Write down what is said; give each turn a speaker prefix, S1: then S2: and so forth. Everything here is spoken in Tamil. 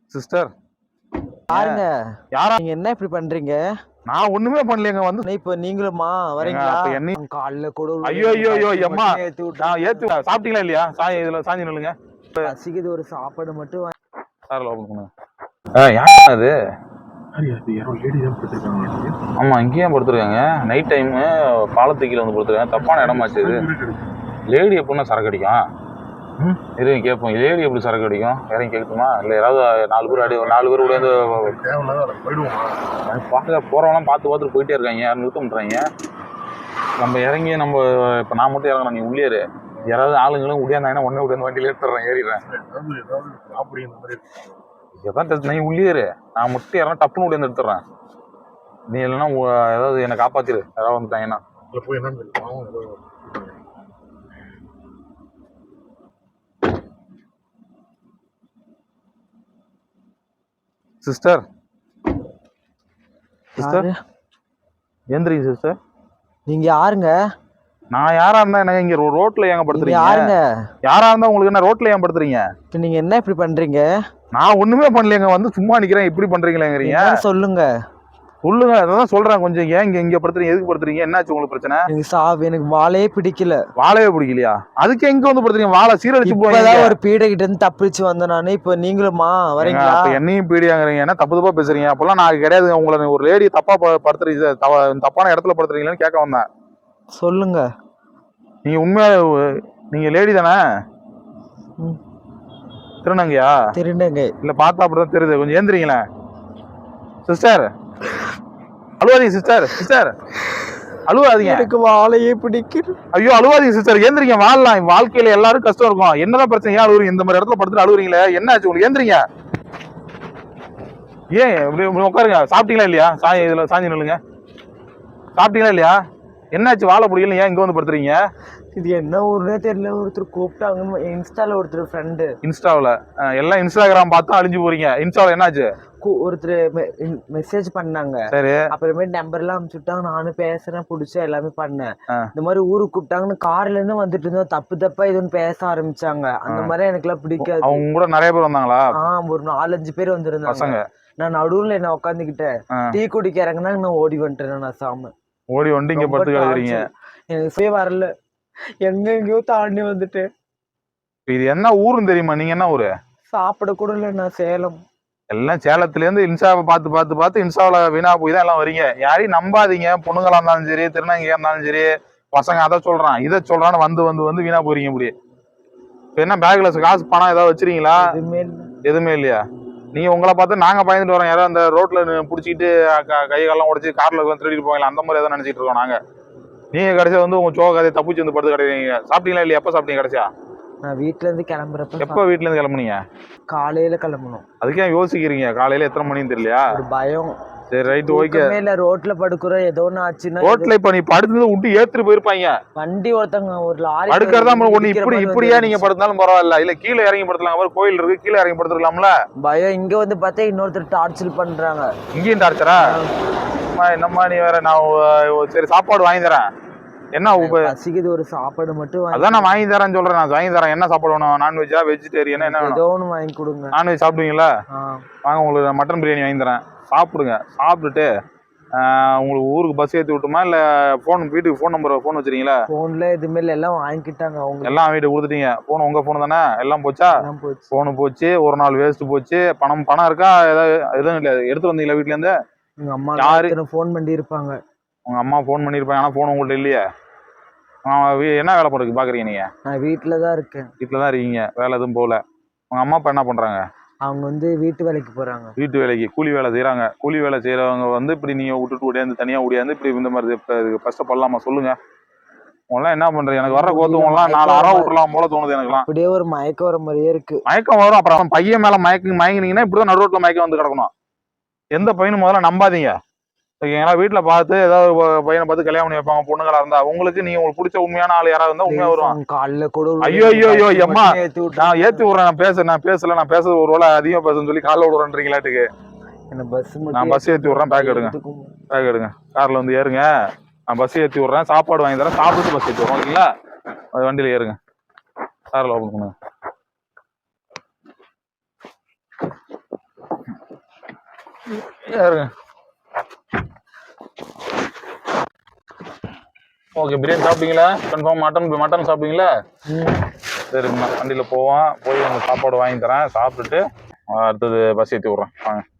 S1: சிஸ்டர்
S2: பாருங்க,
S1: யாரா
S2: நீங்க என்ன இப்படி பண்றீங்க?
S1: நான் ஒண்ணுமே பண்ணலங்க. வந்து
S2: இப்ப நீங்களுமா வரீங்களா? காலைல கூட
S1: ஐயோ ஐயோ ஐயோ எம்மா நான் ஏத்து சாப்பிட்டீங்களா இல்லையா? இதுல சாஞ்சி நில்லுங்க.
S2: பசிக்குது, ஒரு சாப்பாடு மட்டும்
S1: சார்ல ஓபன் பண்ணுங்க. யார் அது? ஆமா, இங்கேயும் படுத்துருக்காங்க. நைட் டைம் பாலத்து கீழே வந்து படுத்துருக்காங்க. தப்பான இடமாச்சு இது. லேடி எப்படின்னா சரக்கு அடிக்கும்? இதையும் கேட்போம். லேடி எப்படி சரக்கு அடிக்கும்? இறங்கி கேட்குமா? இல்லை யாராவது 4 பேர் 4 பேர் கூட பார்க்க போறவங்களாம் பார்த்து போயிட்டே இருக்காங்க. யாரும் நிறுத்த பண்ணுறாங்க. நம்ம இறங்கி நம்ம இப்போ நான் மட்டும் இறங்கணும், நீ உள்ளேரு. யாராவது ஆளுங்களும் உடையாந்தாங்கன்னா ஒன்னே உடையாந்து வண்டியில் ஏற்றுறேன், ஏறிடுறேன். எதான் நீ உள்ளேரு, நான் மட்டும் யாரும் டப்புன்னு உடையாந்து எடுத்துடுறேன். நீ இல்லைன்னா ஏதாவது என்னை காப்பாத்திரு, யாராவது வந்துட்டாங்கன்னா. சிஸ்டர் சிஸ்டர் எந்திரிங்க சிஸ்டர்.
S2: நீங்க யாருங்க?
S1: நான் யாரா இருந்தா எனக்கு இங்க ரோட்ல ஏங்க படுத்துறீங்க?
S2: யாருங்க?
S1: யாரா இருந்தா உங்களுக்கு என்ன ரோட்ல ஏன் படுத்துறீங்க?
S2: நீங்க என்ன இப்படி பண்றீங்க?
S1: நான் ஒண்ணுமே பண்ணலைங்க. வந்து சும்மா நிக்கிறேன், இப்படி பண்றீங்களேங்கறீங்க.
S2: சொல்லுங்க
S1: சொல்லுங்க. அதான் சொல்றேன். கொஞ்சம் ஏன் இங்க படுத்துறீங்க? எதுக்கு படுத்துறீங்க? என்னாச்சு உங்களுக்கு பிரச்சனை?
S2: எனக்கு வாழையே பிடிக்கல.
S1: வாழையே பிடிக்கலையா? அதுக்கு எங்க வந்து படுத்துறீங்க? வாழை சீரழிச்சு
S2: போய் ஒரு பீடை கிட்ட இருந்து தப்பிச்சு வந்தேன் நானு. இப்ப நீங்களுமா வரீங்களா?
S1: என்னையும் பீடியாங்கறீங்க. என்ன தப்பு தப்பா பேசுறீங்க? அப்பெல்லாம் நான் கிடையாது. உங்களை ஒரு லேடி தப்பா படுத்துறீங்க, தப்பான இடத்துல படுத்துறீங்கன்னு கேட்க வந்தேன்.
S2: சொல்லுங்க.
S1: நீங்க உண்மையா நீங்க லேடி தானே? திருநங்கையா?
S2: திருநங்கை
S1: இல்ல, பார்த்தா அப்படிதான் தெரியுது. கொஞ்சம் ஏந்திரீங்களே சிஸ்டர். அழுவாதீங்க சிஸ்டர். சிஸ்டர் அழுவாதீங்க.
S2: எனக்கு வாழையே பிடிக்குது.
S1: ஐயோ அழுவாதீங்க சிஸ்டர், ஏந்திரிங்க. வாழலாம். வாழ்க்கையில எல்லாரும் கஷ்டம் இருக்கும். என்னதான் பிரச்சனை? ஏன் அழுவுறீங்க? இந்த மாதிரி இடத்துல படுத்துட்டு அழுவுறீங்களே, என்ன ஆச்சு உங்களுக்கு? ஏந்திரிங்க. ஏன் இப்படி உட்காருங்க. சாப்பிட்டீங்களா இல்லையா? இதுல சாஞ்சி நில்லுங்க. சாப்பிட்டீங்களா இல்லையா? என்னாச்சு? வாழை பிடிக்கல, ஏன் இங்க வந்து படுத்துறீங்க?
S2: இது என்ன ஊர்னே தெரியல. ஒருத்தர் கூப்பிட்டாங்க இன்ஸ்டால, ஒருத்தர் ஃப்ரெண்டு.
S1: இன்ஸ்டாவில் எல்லாம் இன்ஸ்டாகிராம் பார்த்தா அழிஞ்சு போறீங்க. இன்ஸ்டாவில் என்னாச்சு?
S2: ஒருத்தர் மெசேஜ் பண்ணாங்க. சரி, அப்புறமேட்டு நம்பர் எல்லாம் அனுப்பிச்சுட்டாங்க. நானும் பேசுறேன், பிடிச்சா எல்லாமே பண்ணேன். இந்த மாதிரி ஊருக்கு கூப்பிட்டாங்கன்னு கார்ல இருந்து வந்துட்டு இருந்தோம். தப்பா இதுன்னு பேச ஆரம்பிச்சாங்க. அந்த மாதிரி எனக்கு எல்லாம் பிடிக்காது.
S1: அவங்க கூட நிறைய பேர் வந்தாங்களா?
S2: ஒரு 4-5 பேர் வந்திருந்தாங்க. நான் நடுவுல என்ன உட்காந்துக்கிட்டேன். டீ குடிக்க இறங்கினா நான் ஓடி வந்துட்டேன். நான் சாம
S1: ஓடி வந்து இங்க படுத்து கிடக்குறீங்க.
S2: எனக்கு சுய வரல, எங்கெங்கயோ தாண்டி வந்துட்டு.
S1: இது என்ன ஊருன்னு தெரியுமா? நீங்க என்ன ஊரு?
S2: சாப்பிட கூட இல்லை. நான் சேலம்.
S1: எல்லாம் சேலத்துல இருந்து இன்ஸ்டாவை பார்த்து இன்ஸ்டாவில வீணா போய் தான் எல்லாம் வரீங்க. யாரையும் நம்பாதீங்க. பொண்ணுங்களா இருந்தாலும் சரி, திருநங்கையா இருந்தாலும் சரி, பசங்க அதை சொல்றான் இதை சொல்றான்னு வந்து வீணா போறீங்க. இப்படி என்ன பேக்ல காசு பணம் ஏதாவது வச்சிருக்கீங்களா? எதுவுமே இல்லையா? நீங்க உங்களை பார்த்து நாங்க பயந்துட்டு வரோம். யாராவது அந்த ரோட்ல புடிச்சிட்டு கை காலம் உடைச்சு கார்ல திருடிட்டு போவாங்களா, அந்த மாதிரி ஏதாவது நினைச்சிட்டு இருக்கோம் நாங்க. நீங்க கடைசியா வந்து உங்க சோக கதையை தப்பிச்சு வந்து படுத்து கிடைக்கிறீங்க. சாப்பிட்டீங்களா இல்லையா? எப்ப சாப்பிட்டீங்க கடைசியா?
S2: நான் வீட்டுல இருந்து கிளம்புறப்ப.
S1: எப்ப வீட்டுல இருந்து கிளம்புனீங்க?
S2: காலையில கிளம்பணும்.
S1: அதுக்கே யோசிக்கிறீங்க? காலையில எத்தனை மணின்னு தெரியலையா?
S2: ஒரு பயம்.
S1: சரி, ரைட், ஓகே.
S2: இல்ல, ரோட்ல படுக்குறோம், ஏதோ ஒண்ணு ஆச்சுன்னா.
S1: ரோட்ல இப்ப நீ படுத்து விட்டு ஏத்துட்டு போயிருப்பாங்க.
S2: வண்டி ஒருத்தங்க ஒரு லாரி
S1: படுக்கிறதா ஒண்ணு. இப்படியா நீங்க படுத்தாலும் பரவாயில்ல. இல்ல கீழே இறங்கி படுத்தலாம். கோயில் இருக்கு, கீழே இறங்கி படுத்துக்கலாம்ல.
S2: பயம். இங்க வந்து பார்த்தா இன்னொருத்தர் டார்ச்சர் பண்றாங்க.
S1: இங்கேயும் டார்ச்சரா? என்னம்மா நீ வேற? நான் சரி சாப்பாடு வாங்கி தரேன். என்ன
S2: பசிக்குது, ஒரு சாப்பாடு மட்டும்.
S1: அதான் நான் வாங்கி தரேன் சொல்றேன். நான் வாங்கி தரேன். என்ன சாப்பாடு வேணும்? நான்வெஜ்ஜா, வெஜிடேரியன், என்ன வேணும்?
S2: ஏதோ ஒன்று வாங்கி கொடுங்க.
S1: நான்வெஜ் சாப்பிடுவீங்களா? வாங்க, உங்களுக்கு மட்டன் பிரியாணி வாங்கி தரேன். சாப்பிடுங்க. சாப்பிட்டுட்டு உங்களுக்கு ஊருக்கு பஸ் ஏற்றி விட்டுமா? இல்லை வீட்டுக்கு ஃபோன் வச்சிருக்கீங்களா?
S2: ஃபோன்ல எதுவுமே இல்லை, எல்லாம் வாங்கிக்கிட்டாங்க அவங்க.
S1: எல்லாம் வீட்டுக்கு கொடுத்துட்டீங்க. ஃபோன் உங்க ஃபோன் தானே? எல்லாம் போச்சா? ஃபோனு போச்சு. ஒரு நாள் வேஸ்ட் போச்சு. பணம் இருக்கா? எதுவும் இல்லை. எடுத்து வந்தீங்களா வீட்டுல இருந்து?
S2: உங்க அம்மா யாரு ஃபோன் பண்ணி இருப்பாங்க?
S1: உங்க அம்மா ஃபோன் பண்ணிருப்பாங்க. ஆனா ஃபோன் உங்கள்ட்ட இல்லையே. என்ன வேலை பண்ணுறது பாக்குறீங்க நீங்க?
S2: நான் வீட்டுல தான் இருக்கேன்.
S1: வீட்டுல தான் இருக்கீங்க. வேலை எதுவும் போகல. உங்க அம்மா அப்பா என்ன பண்றாங்க?
S2: அவங்க வந்து வீட்டு வேலைக்கு போறாங்க.
S1: வீட்டு வேலைக்கு கூலி வேலை செய்யறாங்க. கூலி வேலை செய்யறவங்க வந்து இப்படி நீங்க விட்டுட்டு ஓடியாந்து தனியா ஓடியாந்து இப்படி இந்த மாதிரி கஷ்டப்படலாமா சொல்லுங்க? உங்களாம் என்ன பண்றீங்க? எனக்கு வர கோத்துவங்களாம் 4 அரை விட்டுலாம் போல தோணுது எனக்குலாம்.
S2: அப்படியே ஒரு மயக்கம் வர மாதிரியே இருக்கு.
S1: மயக்கம் வரும். அப்புறம் பையன் மேல மயங்கினீங்கன்னா இப்படிதான் நடு ரோட்ல மயக்கம் வந்து கிடக்கணும். எந்த பையனும் முதல்ல நம்பாதீங்க. ஓகேங்களா? வீட்டுல பார்த்து ஏதாவது பையனை பார்த்து கல்யாணம் பண்ணி வைப்பாங்க. பொண்ணுங்களா இருந்தா உங்களுக்கு உங்களுக்கு பிடிச்ச உண்மையான ஆள் யாராவது இருந்தா உண்மையா வருவாங்க.
S2: காலைல கூட
S1: ஐயோ ஐயோ ஐயோ எம்மா நான் ஏத்தி விடுறேன். நான் பேசுறது ஒரு வேலை அதிகமா பேசுன்னு சொல்லி காலைல விடுறேன்றீங்களாட்டுக்கு. நான் பஸ் ஏத்தி விடுறேன். பேக் எடுங்க. கார்ல வந்து ஏறுங்க. நான் பஸ் ஏத்தி விடுறேன். சாப்பாடு வாங்கி தரேன். சாப்பிட்டு பஸ் ஏத்தி விடுறோம். ஓகேங்களா? வண்டியில ஏறுங்க. கார்ல ஓபன் பண்ணுங்க. ஓகே, பிரியாணி சாப்பிட்டீங்களா? கன்ஃபார்ம் மட்டன் சாப்பிட்டீங்களா? சரிங்கண்ணா, வண்டியில் போவோம், போய் உங்களுக்கு சாப்பாடு வாங்கி தரேன், சாப்பிட்டுட்டு அடுத்தது பஸ் ஏற்றி விட்றேன் வாங்க.